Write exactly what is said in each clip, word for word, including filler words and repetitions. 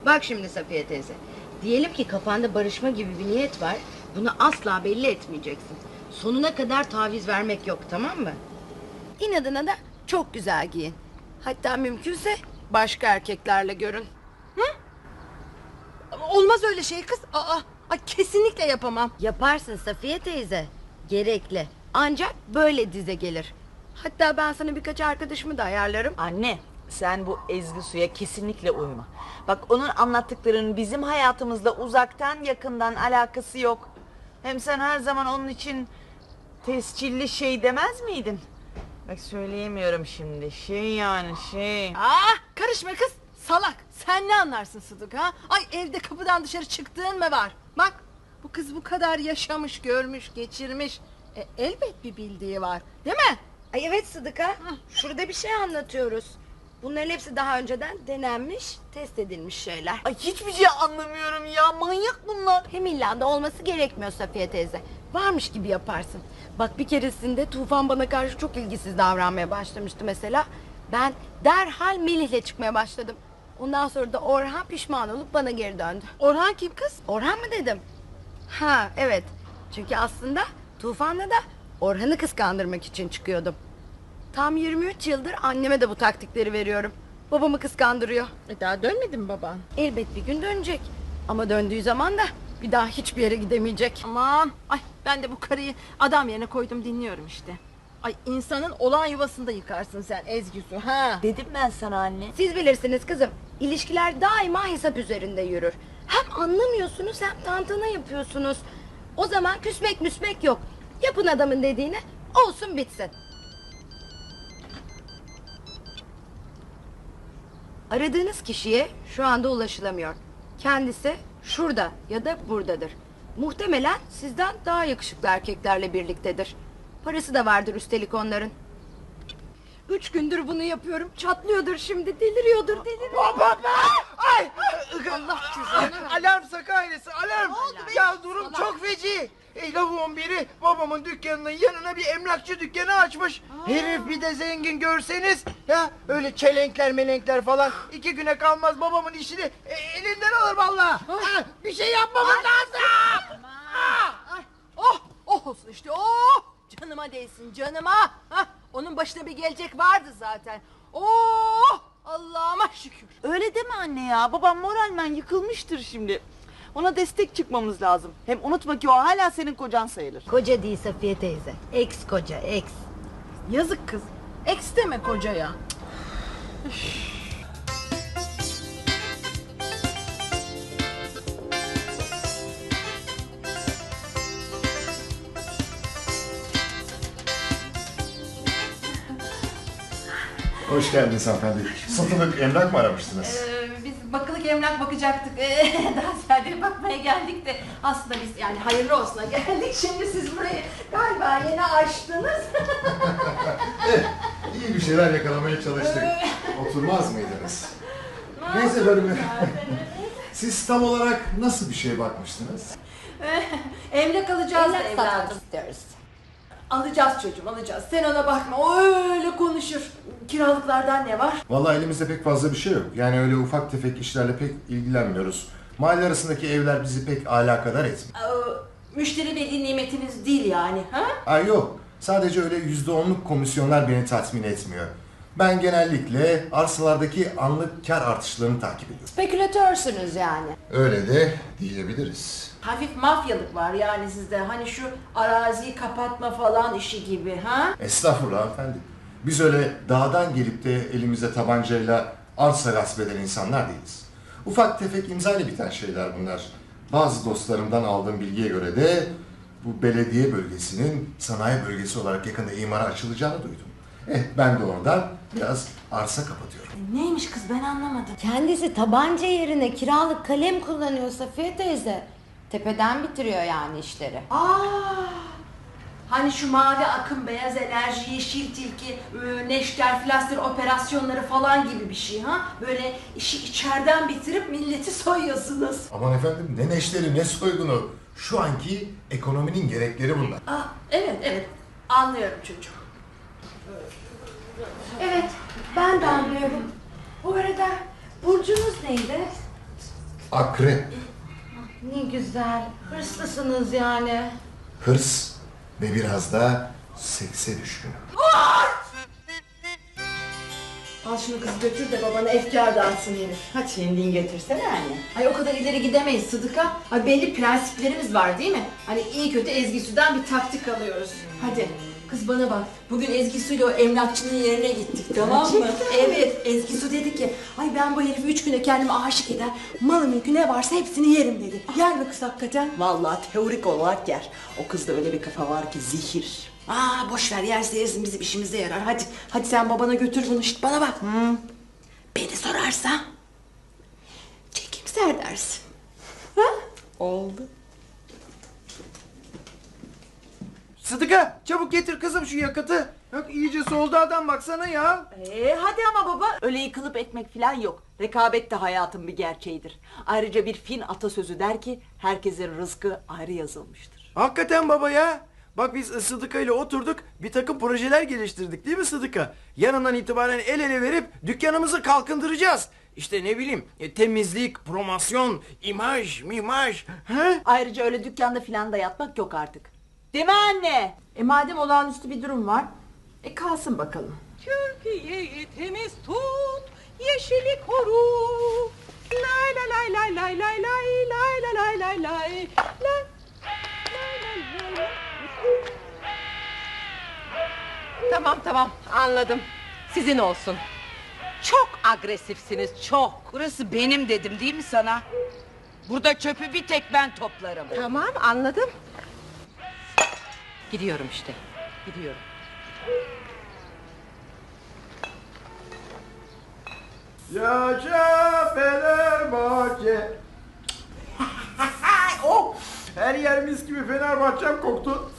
Bak şimdi Safiye teyze. Diyelim ki kafanda barışma gibi bir niyet var. Bunu asla belli etmeyeceksin. Sonuna kadar taviz vermek yok, tamam mı? İnadına da çok güzel giyin. Hatta mümkünse başka erkeklerle görün. Olmaz öyle şey kız. Aa, ay kesinlikle yapamam. Yaparsın Safiye teyze. Gerekli. Ancak böyle dize gelir. Hatta ben sana birkaç arkadaşımı da ayarlarım. Anne, sen bu Ezgi Su'ya kesinlikle uyma. Bak, onun anlattıklarının bizim hayatımızla uzaktan yakından alakası yok. Hem sen her zaman onun için tescilli şey demez miydin? Bak, söyleyemiyorum şimdi. Şey yani şey. Aa, karışma kız. Salak. Sen ne anlarsın Sıdık ha? Ay, evde kapıdan dışarı çıktığın mı var? Bak, bu kız bu kadar yaşamış, görmüş, geçirmiş. E, elbet bir bildiği var. Değil mi? Ay evet Sıdıka. Şurada bir şey anlatıyoruz. Bunların hepsi daha önceden denenmiş, test edilmiş şeyler. Ay, hiçbir şey anlamıyorum ya. Manyak bunlar. Hem illa da olması gerekmiyor Safiye teyze. Varmış gibi yaparsın. Bak bir keresinde Tufan bana karşı çok ilgisiz davranmaya başlamıştı mesela. Ben derhal Melih'le çıkmaya başladım. Ondan sonra da Orhan pişman olup bana geri döndü. Orhan kim kız? Orhan mı dedim? Ha evet. Çünkü aslında Tufan'la da Orhan'ı kıskandırmak için çıkıyordum. Tam yirmi üç yıldır anneme de bu taktikleri veriyorum. Babamı kıskandırıyor. E, daha dönmedi mi baban? Elbet bir gün dönecek. Ama döndüğü zaman da bir daha hiçbir yere gidemeyecek. Aman, ay ben de bu karıyı adam yerine koydum, dinliyorum işte. Ay, insanın olan yuvasında yıkarsın sen Ezgi Su ha. Dedim ben sana anne. Siz bilirsiniz kızım. İlişkiler daima hesap üzerinde yürür. Hem anlamıyorsunuz hem tantana yapıyorsunuz. O zaman küsmek müsmek yok. Yapın adamın dediğini, olsun bitsin. Aradığınız kişiye şu anda ulaşılamıyor. Kendisi şurada ya da buradadır. Muhtemelen sizden daha yakışıklı erkeklerle birliktedir. Parası da vardır üstelik onların. Üç gündür bunu yapıyorum. Çatlıyordur şimdi. Deliriyordur, deliriyor. Baba be! Ay! Allah cüzdanı. Alarm Saka ailesi, alarm! Ya durum çok feci. E, lavuğun biri babamın dükkanının yanına bir emlakçı dükkanı açmış. Herif bir de zengin görseniz. Ya öyle çelenkler melenkler falan. iki güne kalmaz babamın işini e, elinden alır vallahi. Ha, bir şey yapmamız lazım. Ay, oh, oh olsun işte, oh! Canıma değsin, canıma! Hah, onun başına bir gelecek vardı zaten. Oh! Allah'ıma şükür. Öyle deme anne ya. Babam moralmen yıkılmıştır şimdi. Ona destek çıkmamız lazım. Hem unutma ki o hala senin kocan sayılır. Koca değil Safiye teyze. Ex koca, ex. Yazık kız. Eks deme kocaya. Hoş geldiniz hanımefendi. Satılık emlak mı aramıştınız? Ee, biz bakılık emlak bakacaktık. Ee, daha ziyade bakmaya geldik de aslında biz yani hayırlı olsuna geldik. Şimdi siz burayı galiba yeni açtınız. Eh, iyi bir şeyler yakalamaya çalıştık. Oturmaz mıydınız? Neyse bölümü. Siz tam olarak nasıl bir şeye bakmıştınız? Emlak alacağız da Evlat evladım. satmak istiyoruz. Alacağız çocuğum, alacağız. Sen ona bakma, o öyle konuşur. Kiralıklardan ne var? Vallahi elimizde pek fazla bir şey yok. Yani öyle ufak tefek işlerle pek ilgilenmiyoruz. Mahalle arasındaki evler bizi pek alakadar etmiyor. Ee, müşteri veli nimetiniz değil yani, ha? Ay yok. Sadece öyle yüzde onluk komisyonlar beni tatmin etmiyor. Ben genellikle arsalardaki anlık kar artışlarını takip ediyorum. Spekülatörsünüz yani. Öyle de diyebiliriz. Hafif mafyalık var yani sizde. Hani şu araziyi kapatma falan işi gibi, ha? Estağfurullah hanımefendi. Biz öyle dağdan gelip de elimizde tabancayla arsa gasp eden insanlar değiliz. Ufak tefek imzayla biten şeyler bunlar. Bazı dostlarımdan aldığım bilgiye göre de bu belediye bölgesinin sanayi bölgesi olarak yakında imara açılacağını duydum. Eh ben de oradan biraz arsa kapatıyorum. Neymiş kız, ben anlamadım. Kendisi tabanca yerine kiralık kalem kullanıyor Safiye teyze. Tepeden bitiriyor yani işleri. Aa! Hani şu mavi akım, beyaz enerji, yeşil tilki, e, neşter, flaster operasyonları falan gibi bir şey ha? Böyle işi içeriden bitirip milleti soyuyorsunuz. Aman efendim ne neşteri ne soygunu. Şu anki ekonominin gerekleri bunlar. Aa, evet evet, anlıyorum çocuğum. Evet, ben de anlıyorum. Bu arada burcunuz neydi? akrep. Ne güzel. Hırslısınız yani. Hırs ve biraz da sekse düşkün. Al şunu kız götür de babana efkar dağıtsın herif. Hadi. Kendin getirsene anne. Ay o kadar ileri gidemeyiz Sıdıka. Ay belli prensiplerimiz var değil mi? Hani iyi kötü Ezgi Su'dan bir taktik alıyoruz. Hadi. Kız bana bak. Bugün Ezgi Su'yla o emlakçının yerine gittik tamam mı? Evet. Ezgi Su dedi ki ay ben bu herifi üç güne kendime aşık eder. Malı mülkü ne varsa hepsini yerim dedi. Yer mi kız hakikaten? Vallahi teorik olarak yer. O kızda öyle bir kafa var ki zehir. Aa boş ver yerse yersin bizim işimize yarar. Hadi hadi sen babana götür bunu. Şişt bana bak. Beni sorarsa çekimser dersin. Ha? Oldu. Sıdıka çabuk getir kızım şu yakıtı. Bak iyice soldu adam baksana ya. Ee, hadi ama baba. Öyle yıkılıp etmek falan yok. Rekabet de hayatın bir gerçeğidir. Ayrıca bir Fin atasözü der ki herkesin rızkı ayrı yazılmıştır. Hakikaten baba ya. Bak biz Sıdıka ile oturduk bir takım projeler geliştirdik değil mi Sıdıka? Yarından itibaren el ele verip dükkanımızı kalkındıracağız. İşte ne bileyim e, temizlik, promosyon, imaj, mimaj. He? Ayrıca öyle dükkanda falan da yatmak yok artık. Değil mi anne? E madem olağanüstü bir durum var, e kalsın bakalım. Türkiye'yi temiz tut, yeşili koru. Lay lay lay lay lay lay lay lay lay lay lay lay. Lay. Tamam tamam anladım. Sizin olsun. Çok agresifsiniz çok. Burası benim dedim değil mi sana? Burada çöpü bir tek ben toplarım. Tamam anladım. Gidiyorum işte. Gidiyorum. Yaşa Fenerbahçe. Oh! Her yer mis gibi Fenerbahçem koktu.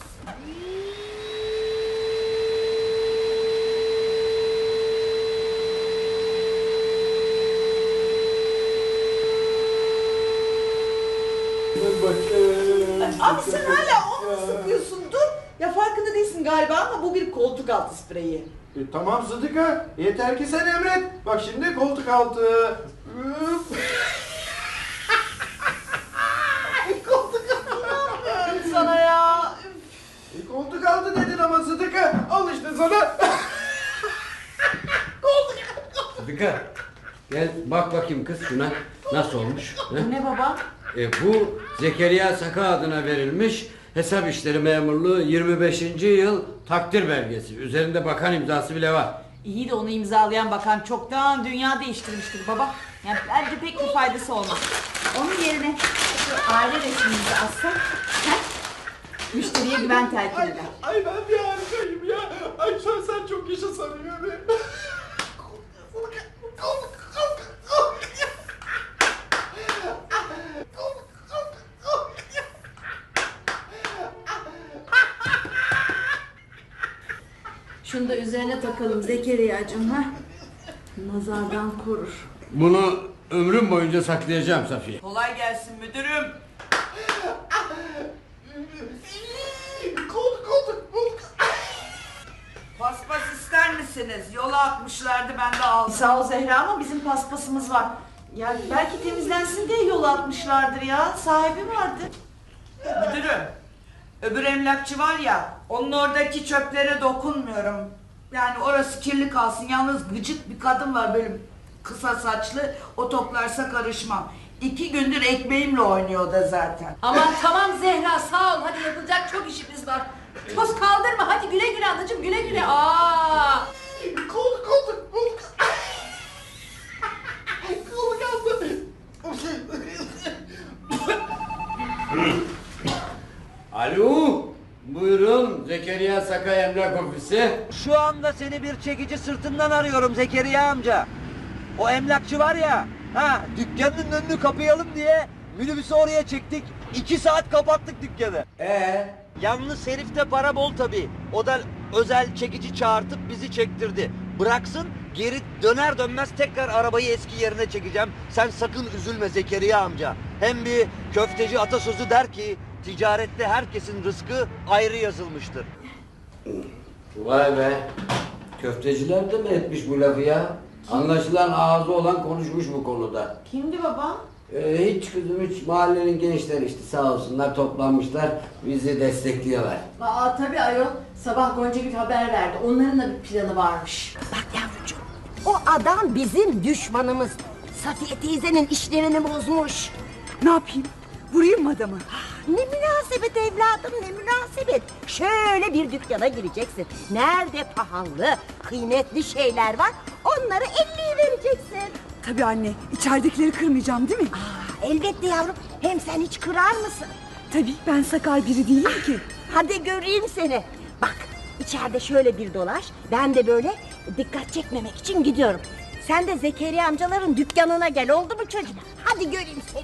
Abi sen hala onu mu sıkıyorsun? Dur. Ya farkında değilsin galiba ama bu bir koltuk altı spreyi. E, tamam Sıdıka, yeter ki sen emret. Bak şimdi koltuk altı. Üf. koltuk altı. Sana ya. E, koltuk altı dedin ama Sıdıka. Al işte sana. Sıdıka gel bak bakayım kız şuna nasıl olmuş. he? Ne baba? E, bu Zekeriya Saka adına verilmiş hesap işleri memurluğu yirmi beşinci yıl takdir belgesi. Üzerinde bakan imzası bile var. İyi de onu imzalayan bakan çoktan dünya değiştirmiştir baba. Yani bence pek bir faydası olmaz. Onun yerine şu aile resmimizi assak, he? Müşteriye güven telkin eder. Ay ben bir harikayım ya. Ay sen, sen çok yaşa sanıyorum. Şunu da üzerine takalım Zekeriya'cığım ha. Nazardan korur. Bunu ömrüm boyunca saklayacağım Safiye. Kolay gelsin müdürüm. Koltuk koltuk koltuk. Paspas ister misiniz? Yola atmışlardı ben de aldım. Sağ ol Zehra ama bizim paspasımız var. Ya belki temizlensin diye yol atmışlardır ya. Sahibi vardı. Müdürüm. Öbür emlakçı var ya, onun oradaki çöplere dokunmuyorum. Yani orası kirli kalsın. Yalnız gıcık bir kadın var böyle kısa saçlı. O toplarsa karışmam. İki gündür ekmeğimle oynuyor o da zaten. Aman tamam Zehra sağ ol. Hadi yapılacak çok işimiz var. Toz kaldırma hadi güle güle anacığım güle güle. Aa! Koltuk koltuk koltuk. Koltuk altı. Alo, buyurun Zekeriya Saka Emlak Ofisi. Şu anda seni bir çekici sırtından arıyorum Zekeriya amca. O emlakçı var ya, ha dükkanın önünü kapayalım diye minibüsü oraya çektik. İki saat kapattık dükkanı. Ee, Yalnız herifte para bol tabii. O da özel çekici çağırtıp bizi çektirdi. Bıraksın geri döner dönmez tekrar arabayı eski yerine çekeceğim. Sen sakın üzülme Zekeriya amca. Hem bir köfteci atasözü der ki ticarette herkesin rızkı ayrı yazılmıştır. vay be. Köfteciler de mi etmiş bu lafı ya? Anlaşılan ağzı olan konuşmuş bu konuda. Kimdi baba? Ee, hiç kızım hiç, mahallenin gençleri işte sağ olsunlar toplanmışlar, bizi destekliyorlar. Aa tabii ayol. Sabah Gonca bir haber verdi. Onların da bir planı varmış. Bak yavrucuğum, o adam bizim düşmanımız. Safiye teyzenin işlerini bozmuş. Ne yapayım? Vurayım mı adamı? Ne münasebet evladım, ne münasebet. Şöyle bir dükkana gireceksin. Nerede pahalı, kıymetli şeyler var, onları elliye vereceksin. Tabii anne, içeridekileri kırmayacağım değil mi? Aa, elbette yavrum, hem sen hiç kırar mısın? Tabii, ben sakar biri değilim ki. Hadi göreyim seni. Bak, içeride şöyle bir dolaş, ben de böyle dikkat çekmemek için gidiyorum. Sen de Zekeriya amcaların dükkanına gel, oldu mu çocuğum? Hadi göreyim seni.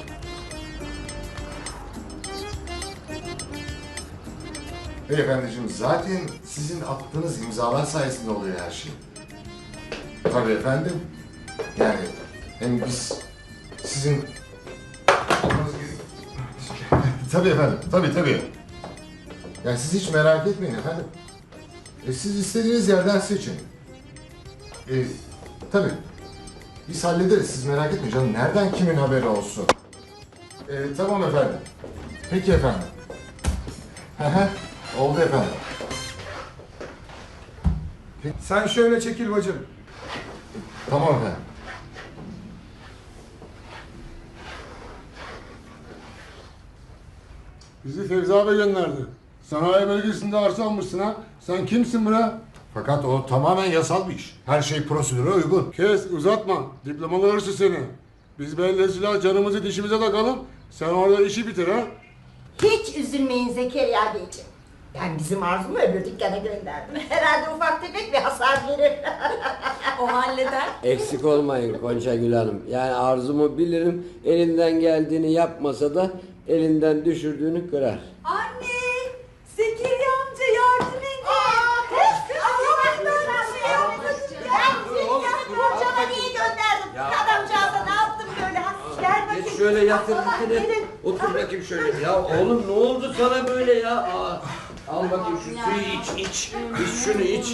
Beyefendiciğim zaten sizin attığınız imzalar sayesinde oluyor her şey. Tabii efendim. Yani hem biz sizin olmanız gerek- Tabii efendim, tabii tabii. Yani siz hiç merak etmeyin efendim. E, siz istediğiniz yerden seçin. E, tabii. Biz hallederiz, siz merak etmeyin canım. Nereden kimin haberi olsun? E, tamam efendim. Peki efendim. Hı hı. Oldu efendim. Sen şöyle çekil bacım. Tamam efendim. Bizi Fevzi abi gönderdi. Sanayi bölgesinde arsa almışsın ha. Sen kimsin bre? Fakat o tamamen yasal bir iş. Her şey prosedüre uygun. Kes, uzatma. Diplomalı hırsız seni. Biz belediyeciler canımızı dişimize takalım. Sen orada işi bitir ha. Hiç üzülmeyin Zekeriya Beyciğim. Ben bizim Arzu'mu öbür dükkana gönderdim. Herhalde ufak tefek bir hasar verir. O halleder. Eksik olmayın Gonca Gül Hanım. Yani arzumu bilirim, elinden geldiğini yapmasa da elinden düşürdüğünü kırar. Anne! Zekeriya amca yardım edin. Borcama niye gönderdim? Adamcağıza ne yaptım böyle? Ha, gel bakayım. Geç şöyle yatır Aa, dikine. gelin. Otur bakayım şöyle. Ya oğlum ne oldu sana böyle ya? Aa, al bakayım şu suyu iç iç. İç şunu iç.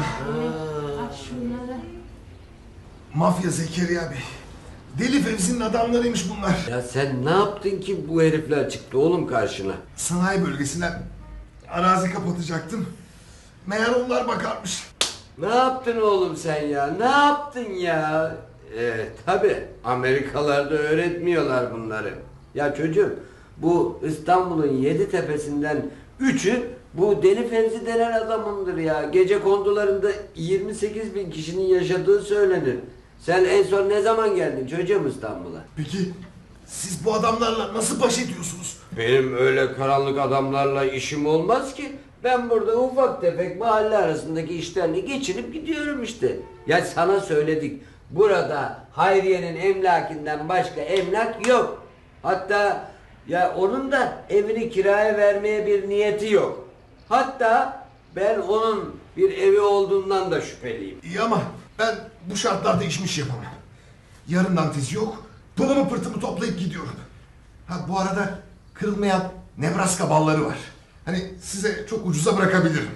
Mafya Zekeriya Bey. Deli Fevzi'nin adamlarıymış bunlar. Ya sen ne yaptın ki bu herifler çıktı oğlum karşına? Sanayi bölgesinden arazi kapatacaktım. Meğer onlar bakarmış. Ne yaptın oğlum sen ya? Ne yaptın ya? Ee, tabii Amerikalarda öğretmiyorlar bunları. Ya çocuğum bu İstanbul'un yedi tepesinden üçü bu Deli Fevzi denen adamındır ya. Gece kondularında yirmi sekiz bin kişinin yaşadığı söylenir. Sen en son ne zaman geldin çocuğum İstanbul'a? Peki siz bu adamlarla nasıl baş ediyorsunuz? Benim öyle karanlık adamlarla işim olmaz ki. Ben burada ufak tefek mahalle arasındaki işlerle geçinip gidiyorum işte. Ya sana söyledik. Burada Hayriye'nin emlakinden başka emlak yok. Hatta ya onun da evini kiraya vermeye bir niyeti yok. Hatta ben onun bir evi olduğundan da şüpheliyim. İyi ama ben bu şartlarda işmiş yapamam. Yarından tezi yok. Pılımı pırtımı toplayıp gidiyorum. Ha bu arada kırılmayan Nebraska balları var. Hani size çok ucuza bırakabilirim.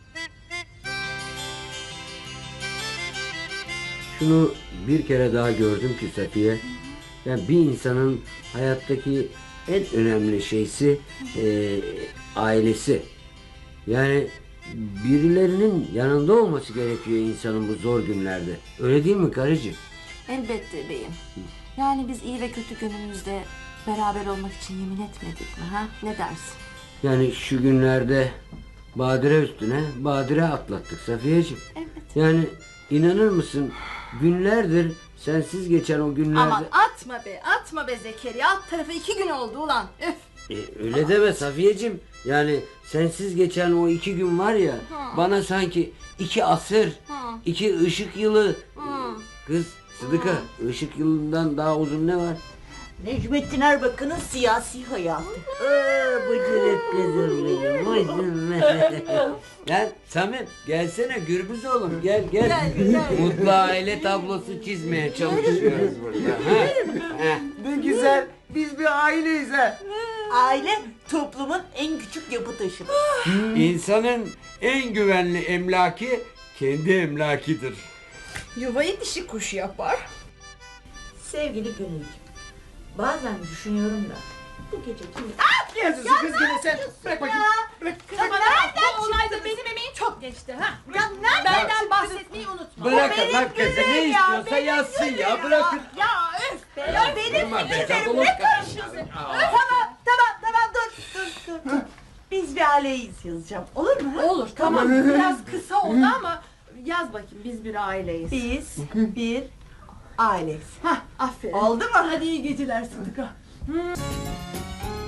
Şunu bir kere daha gördüm ki Safiye. Yani bir insanın hayattaki en önemli şeysi e, ailesi. Yani birilerinin yanında olması gerekiyor insanın bu zor günlerde. Öyle değil mi karıcığım? Elbette beyim. Yani biz iyi ve kötü günümüzde beraber olmak için yemin etmedik mi ha? Ne dersin? Yani şu günlerde badire üstüne badire atlattık Safiyeciğim. Evet. Yani inanır mısın günlerdir sensiz geçen o günlerde... Aman atma be, atma be Zekeriya. Alt tarafı iki gün oldu ulan. Üf. E, öyle deme Safiyeciğim. Yani sensiz geçen o iki gün var ya Hı. bana sanki iki asır, Hı. iki ışık yılı. Hı. Kız Sıdıka, ışık yılından daha uzun ne var? Necmettin Erbakan'ın siyasi hayatı. Aa, bıcırık kızım benim, bıcırık. Gel Samim, gelsene Gürbüz oğlum, gel gel. Gel, gel. Mutlu aile tablosu çizmeye çalışıyoruz burada. Ha? Ha. Ne güzel. Biz bir aileyiz ha. Aile toplumun en küçük yapı taşıdır. İnsanın en güvenli emlaki kendi emlakidir. Yuvayı dişi kuş yapar. Sevgili Gönülcüğüm, Bazen düşünüyorum da bu gece kim... Yazıyorsun kız gene sen. Bırak bakayım. Bırak. Tamam, bu olayda benim emeğim çok geçti ha. Ya benden bahsetmeyi unutma. Bırakın lan kızı ne istiyorsa yazsın ya bırakın. Ya öf be. Ya benim Durma be, fikirlerim kapalı ne kal. karışıyorsun? Tamam tamam tamam dur dur dur. Biz bir aileyiz yazacağım. Olur mu? Olur tamam. Biraz kısa oldu ama yaz bakayım biz bir aileyiz. Biz bir aileyiz. Hah aferin. Oldu mu? Hadi iyi geceler Sıdıka.